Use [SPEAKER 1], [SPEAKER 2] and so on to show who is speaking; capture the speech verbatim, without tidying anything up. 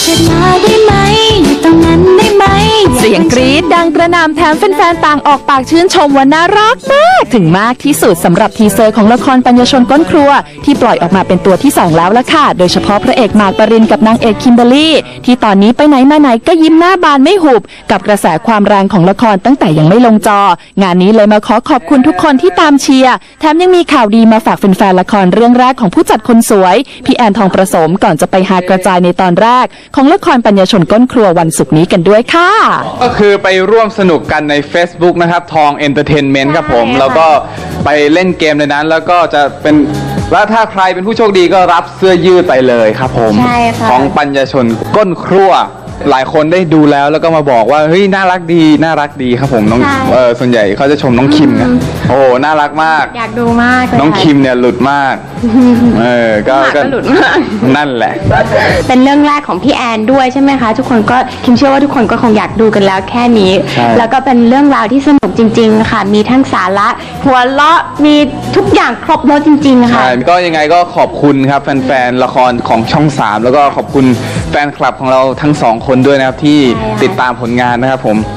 [SPEAKER 1] เถิดมาได้ไหมอยู่ตรงนั้นได้ไหมเสียงกรี๊ดดังกระหน่ำแถมแฟนๆต่างออกปากชื่นชมว่าน่ารักมากถึงมากที่สุดสำหรับทีเซอร์ของละครปัญญชนก้นครัวที่ปล่อยออกมาเป็นตัวที่สองแล้วล่ะค่ะโดยเฉพาะพระเอกหมากปรินกับนางเอกคิมเบอร์รี่ที่ตอนนี้ไปไหนมาไหนก็ยิ้มหน้าบานไม่หุบกับกระแสความแรงของละครตั้งแต่ยังไม่ลงจองานนี้เลยมาขอขอบคุณทุกคนที่ตามเชียร์แถมยังมีข่าวดีมาฝากแฟนๆละครเรื่องแรกของผู้จัดคนสวยพี่แอนทองประสมก่อนจะไปหากระจายในตอนแรกของละครปัญญชนก้นครัววันศุกร์นี้กันด้วยค่ะ
[SPEAKER 2] ก็คือไปร่วมสนุกกันใน Facebook นะครับทองเอนเตอร์เทนเมนต์ครับผมแล้วก็ไปเล่นเกมในนั้นแล้วก็จะเป็นแล้วถ้าใครเป็นผู้โชคดีก็รับเสื้อยืดไปเลยครับผมของปัญญชนก้นครัวหลายคนได้ดูแล้วแล้วก็มาบอกว่าเฮ้ยน่ารักดีน่ารักดีครับผมน้องเออส่วนใหญ่เขาจะชมน้องคิมนะโอ้น่ารักมาก
[SPEAKER 3] อยากดูมาก
[SPEAKER 2] น้องคิมเนี่ยหลุดมากเออก็
[SPEAKER 3] ก็หลุดมาก
[SPEAKER 2] นั่นแหละ
[SPEAKER 3] เป็นเรื่องแรกของพี่แอนด้วยใช่ไหมคะทุกคนก็คิมเชื่อว่าทุกคนก็คงอยากดูกันแล้วแค่นี้แล้วก็เป็นเรื่องราวที่สนุกจริงๆค่ะมีทั้งสาระหัวเราะมีทุกอย่างครบรสจริงๆค่ะ
[SPEAKER 2] ใช่ก็ยังไงก็ขอบคุณครับแฟนๆละครของช่องสามแล้วก็ขอบคุณแฟนคลับของเราทั้งสองคนด้วยนะครับที่ติดตามผลงานนะครับผม